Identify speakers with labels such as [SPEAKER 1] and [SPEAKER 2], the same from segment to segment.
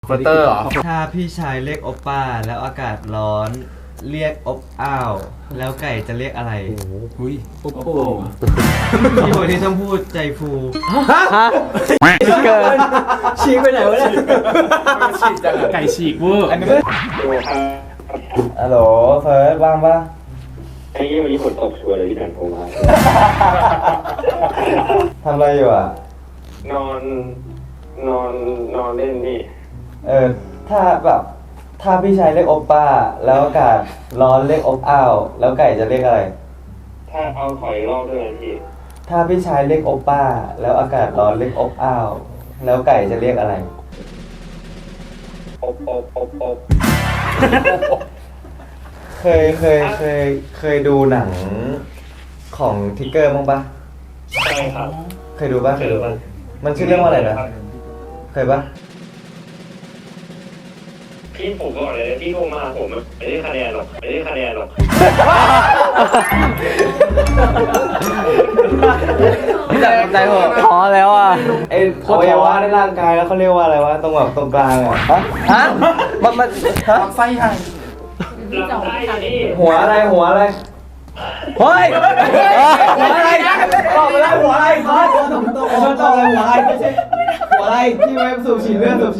[SPEAKER 1] ฟิลเตอร์เหรอ
[SPEAKER 2] ถ้าพี่ชายเรียกโอป้าแล้วอากาศร้อนเรียกอบอ้าวแล้วไก่จะเรียกอะไร
[SPEAKER 1] หุยโอ้โห
[SPEAKER 2] พี่คนที่ต้องพูดใจฟู
[SPEAKER 3] ฮะเกินฉีกไปไหนวะเนี่ย
[SPEAKER 1] ฉีกจังไก่ฉีกเวอร์
[SPEAKER 2] ฮัลโหลเฟิร์สว่างปะ
[SPEAKER 4] ไอ้วันนี้ฝนตกชัวร์เลยที่ดันโทรมา
[SPEAKER 2] ทำอะไรอยู่อ่ะ
[SPEAKER 4] นอนเล่นนี่
[SPEAKER 2] ถ้าพี่ชายเรียกโอป้าแล้วอากาศร้อนเรียกอบอ้าวแล้วไก่จะเรียกอะไร
[SPEAKER 4] ถ้าเอาถอยรอบด้วยพี่
[SPEAKER 2] ถ้าพี่ชายเรียกโอป้าแล้วอากาศร้อนเรียกอบอ้าวแล้วไก่จะเรียกอะไร
[SPEAKER 4] อบ
[SPEAKER 2] เคยดูหนังของทิกเกอร์มั้งปะ
[SPEAKER 4] ใช่ครับ
[SPEAKER 2] เคยดูปะมันชื่อเรื่องว่าอะไรนะเคยปะ
[SPEAKER 4] พี่ผมบอกเลยพี่โทรมาผมไม่ได้คะแนนหรอก
[SPEAKER 3] ใจผมพอแล้วอ่ะ
[SPEAKER 2] ไอ้อวัยวะในร่างกายแล้วเขาเรียกว่าอะไรวะตรงแบบตรงกลางอ่ะฮะมัน
[SPEAKER 1] ลำไส้ใหญ่
[SPEAKER 4] ลำไส้นี่
[SPEAKER 2] หัวอะไร
[SPEAKER 3] เฮ้ยหัวอะไร
[SPEAKER 2] ตอบไปแล้วหัวอะไรครับตอบอะไรหัวอะไรไม่ใช่หัวอะไรที่ไว้สูบฉีดเลือด
[SPEAKER 4] หัว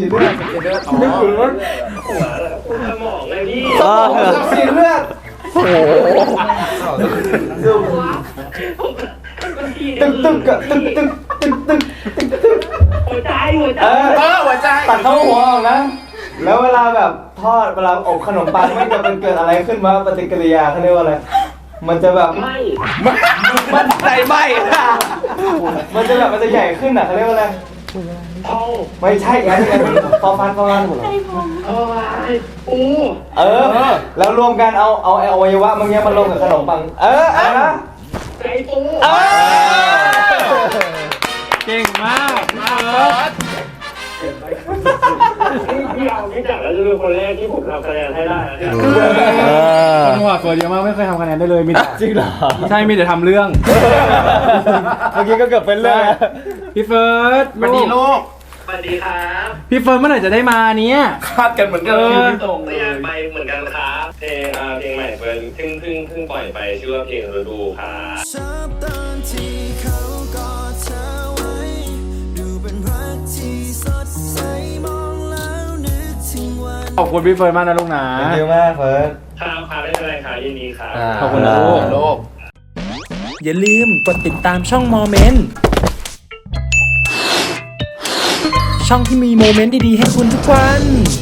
[SPEAKER 4] สมองไงพี่
[SPEAKER 2] สูบฉีดเลือด
[SPEAKER 3] โอ้โห
[SPEAKER 2] ตึกกับตึก
[SPEAKER 4] หัวใจ
[SPEAKER 2] ตัดเข้าหัวออกนะแล้วเวลาแบบทอดเวลาอบขนมปังมันจะเป็นเกิดอะไรขึ้นมาปฏิกิริยาเขาเรียกว่าอะไรมันจะแบบ
[SPEAKER 3] มันใจไหม
[SPEAKER 2] มันจะแบบมันจะใหญ่ขึ้นอ่ะเขาเรียกว่าอะไรไม่ใช่ไงพอฟันหมดเลยแล้วรวมกันเอาอวัยวะมึงเนี้ยมันลงกับขนมปังนะ
[SPEAKER 4] ไก่ปู
[SPEAKER 1] เก่งมาก
[SPEAKER 4] พี่เอาไม่จับแล้วจะเป็นคนแรกที่ผมทำคะแนนให้ได้
[SPEAKER 1] คนหัวเฟิร์สเยอะมากไม่เคยทำคะแนนได้เลยมีแต่
[SPEAKER 2] จริงเหรอ
[SPEAKER 1] ใช่มีแต่ทำเรื่อง
[SPEAKER 2] เมื่อกี้ก็เกือบเป็นเรื่อง
[SPEAKER 1] พี่เฟิร์ส
[SPEAKER 4] สวัสดีลูกสวัสดีครับ
[SPEAKER 1] พี่เฟิร์สเมื่อไหร่จะได้มาเนี้ย
[SPEAKER 4] คาดกันเหมือนกันตรงไม่อยากไปเหมือนกันครับเพลงใหม่เฟิร์นเพิ่งปล่อยไปชื่อว่าเพลงฤดูครับ
[SPEAKER 1] ขอบคุณพี่เฟิร์นมากนะลูกนะ
[SPEAKER 2] ขอบคุณมากเฟิร์น
[SPEAKER 4] ครับไม่เป็นไรค่ะยินดีครับ
[SPEAKER 1] ขอบคุณนะลูก
[SPEAKER 3] อย่าลืมกดติดตามช่องโมเมนต์ช่องที่มีโมเมนต์ดีๆให้คุณทุกวัน